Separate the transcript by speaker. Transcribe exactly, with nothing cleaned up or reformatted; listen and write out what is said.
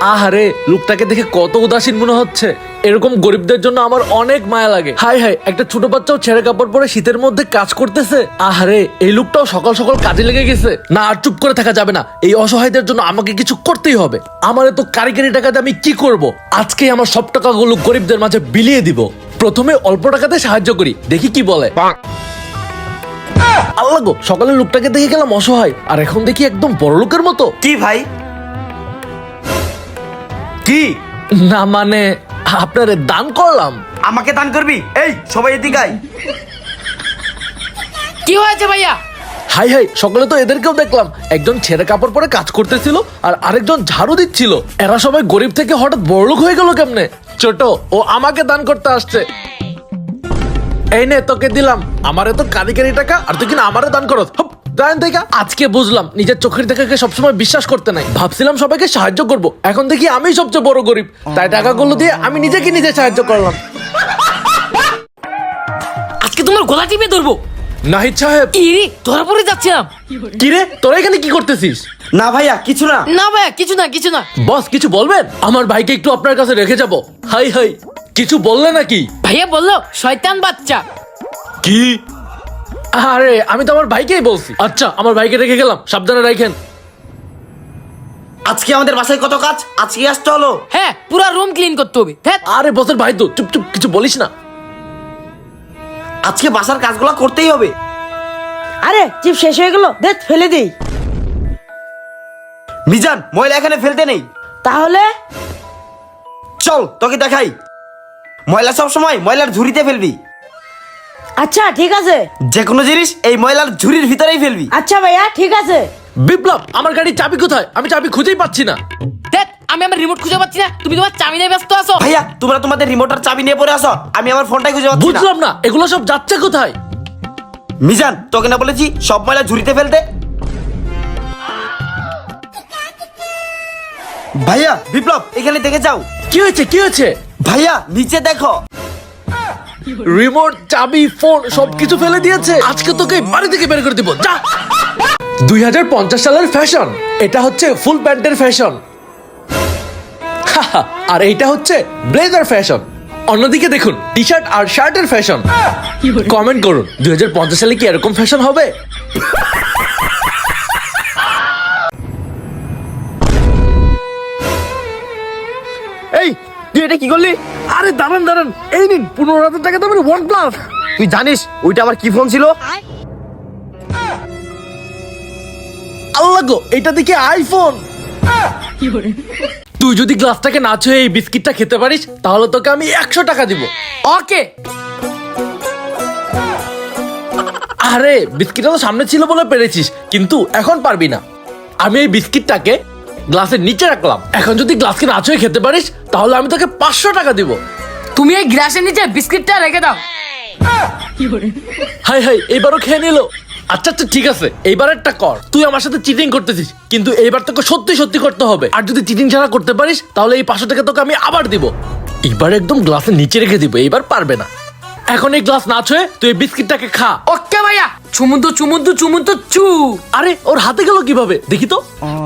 Speaker 1: আহারে, লোকটাকে দেখে কত উদাসীন মনে হচ্ছে। এরকম গরিবদের জন্য আমার অনেক মায়া লাগে। হাই হাই, একটা ছোট বাচ্চাও ছেঁড়া কাপড় পরে শীতের মধ্যে কাজ করতেছে। আহারে, এই লোকটাও সকাল সকাল কাজে লেগে গেছে। না, আর চুপ করে থাকা যাবে না। এই অসহায়দের জন্য আমাকে কিছু করতেই হবে। আমার তো কারিগরি টাকাতে আমি কি করব? আজকে আমার সব টাকাগুলো গরিবদের মাঝে বিলিয়ে দিব। প্রথমে অল্প টাকাতে সাহায্য করি, দেখি কি বলে। আল্লাহ গো, সকালে লোকটাকে দেখে গেলাম অসহায়, আর এখন দেখি একদম বড় লোকের মতো।
Speaker 2: কি ভাই? কি?
Speaker 1: না মানে, আপনারে দান করলাম।
Speaker 2: আমাকে দান করবি? এই সবাই এদিকে আয়।
Speaker 3: কি হয়েছে ভাইয়া?
Speaker 1: হাই হাই, সকালে তো এদেরকেও দেখলাম। একজন ছেঁড়া কাপড় পরে কাজ করতেছিল, আর আরেকজন ঝাড়ু দিচ্ছিল। এরা সবাই গরিব থেকে হঠাৎ বড়লোক হয়ে গেল কেমনে? ছোট, ও আমাকে দান করতে আসছে। এই নে, তোকে দিলাম। আমারে তো কারিগরি টাকা, আর তুই কিনা আমারে দান করত। আজকে বুঝলাম নিজের চোখের দেখাকে সবসময় বিশ্বাস করতে নাই। ভাবছিলাম সবাইকে সাহায্য করব, এখন দেখি আমি সবচেয়ে বড় গরিব। তাই টাকাগুলো দিয়ে আমি নিজেকে নিজে সাহায্য করলাম।
Speaker 3: আজকে তোমার গলা টিপে ধরবো।
Speaker 1: নাহিদ সাহেব।
Speaker 3: ইরি, ধরা পড়ে যাচ্ছিলাম।
Speaker 1: কি রে, তোরা এখানে কি করতেছিস?
Speaker 2: না ভাইয়া, কিছু না।
Speaker 3: না ভাইয়া, কিছু না কিছু না।
Speaker 1: বস, কিছু বলবেন? আমার ভাইকে একটু আপনার কাছে রেখে যাব। হাই হাই, কিছু বললে নাকি?
Speaker 3: ভাইয়া বললো শয়তান বাচ্চা।
Speaker 1: কি? আরে, আমি তো আমার ভাইকেই বলছি। আচ্ছা, আমার ভাইকে রেখে গেলাম, সাবধানে রাখেন।
Speaker 2: আজকে আমাদের বাসায় কত কাজ, আজকে আসতে হলো।
Speaker 3: হ্যাঁ, পুরো রুম ক্লিন করতে হবে। ধ্যাৎ।
Speaker 1: আরে বসের ভাই তো, চুপ চুপ, কিছু বলিস না।
Speaker 2: আজকে বাসার কাজগুলো করতেই হবে।
Speaker 4: আরে চিপ শেষ হয়ে গেল, দেখ ফেলে দেই।
Speaker 2: মিজান, ময়লা এখানে ফেলতে নেই।
Speaker 4: তাহলে
Speaker 2: চল তোকে দেখাই। ময়লা সব সময় ময়লার ঝুড়িতে ফেলবি।
Speaker 4: আচ্ছা ঠিক আছে।
Speaker 2: যে কোনো জিনিস এই ময়লার ঝুড়ির ভিতরেই ফেলবি।
Speaker 4: আচ্ছা ভাইয়া, ঠিক আছে।
Speaker 1: বিপ্লব, আমার গাড়ির চাবি কোথায়? আমি চাবি খুঁজেই পাচ্ছি না।
Speaker 3: ধ্যাৎ, আমি আমার রিমোট খুঁজে পাচ্ছি না, তুমি তোমার চাবি নিয়ে ব্যস্ত আছো।
Speaker 2: ভাইয়া, তোমরা তোমাদের রিমোটার চাবি নিয়ে পড়ে আসো, আমি আমার ফোনটাই খুঁজে পাচ্ছি না।
Speaker 1: বুঝলাম না, এগুলো সব যাচ্ছে কোথায়?
Speaker 2: মিজান, তোকে না বলেছি সব ময়লা ঝুড়িতে ফেলতে? ভাইয়া, বিপ্লব, এখানে দেখে যাও।
Speaker 1: কি হয়েছে, কি হয়েছে?
Speaker 2: ভাইয়া, নিচে দেখো।
Speaker 1: রিমোট, চাবি, ফোন সবকিছু ফেলে দিয়েছে। আজকে তোকে বাড়ি থেকে বের করে দিব, যা। দুই হাজার পঞ্চাশ সালের ফ্যাশন। এটা হচ্ছে ফুল প্যান্টের ফ্যাশন, আর এইটা হচ্ছে ব্লেজার ফ্যাশন। অন্যদিকে দেখুন টি শার্ট আর শার্টের ফ্যাশন। কমেন্ট করুন, দুই হাজার পঞ্চাশ সালে কি এরকম ফ্যাশন হবে?
Speaker 2: এই, তুই এটা কি করলি?
Speaker 1: আরে দাঁড়ান দাঁড়ান, এই নিন পনেরো হাজার টাকা দামের ওয়ান প্লাস।
Speaker 2: তুই জানিস ওইটা আবার কি ফোন ছিল?
Speaker 1: আল্লাহ গো, এটা দেখে আইফোন। তুই যদি গ্লাসটাকে না ছুঁয়ে এই বিস্কিটটা খেতে পারিস, তাহলে তোকে আমি একশো টাকা দিব।
Speaker 3: ওকে।
Speaker 1: আরে, বিস্কিটটা তো সামনে ছিল বলে পেরেছিস, কিন্তু এখন পারবি না। আমি এই বিস্কিটটাকে গ্লাসের নিচে রাখলাম। এখন যদি গ্লাসকে না ছুঁয়ে খেতে পারিস, তাহলে আমি তোকে পাঁচশো টাকা দিব।
Speaker 3: তুমি এই গ্লাসের নিচে বিস্কিটটা রেখে দাও।
Speaker 1: হাই হাই, এইবারও খেয়ে নিল। আচ্ছা আচ্ছা, ঠিক আছে, এইবার একটা কর। তুই আমার সাথে চিটিং করতেছিস, কিন্তু এইবার তোকে সত্যি সত্যি করতে হবে। আর যদি চিটিং ছাড়া করতে পারিস, তাহলে এই পাঁচশো টাকা তোকে আমি আবার দিব। এবার একদম গ্লাসের নিচে রেখে দিব, এইবার পারবে না। এখন এই গ্লাস না ছুঁয়ে তুই এই বিস্কিটটাকে খা।
Speaker 3: ওকে ভাইয়া, চুমুন্দু চুমুন্দু চুমুন্দু চু।
Speaker 1: আরে, ওর হাতে গেল কিভাবে দেখি তো।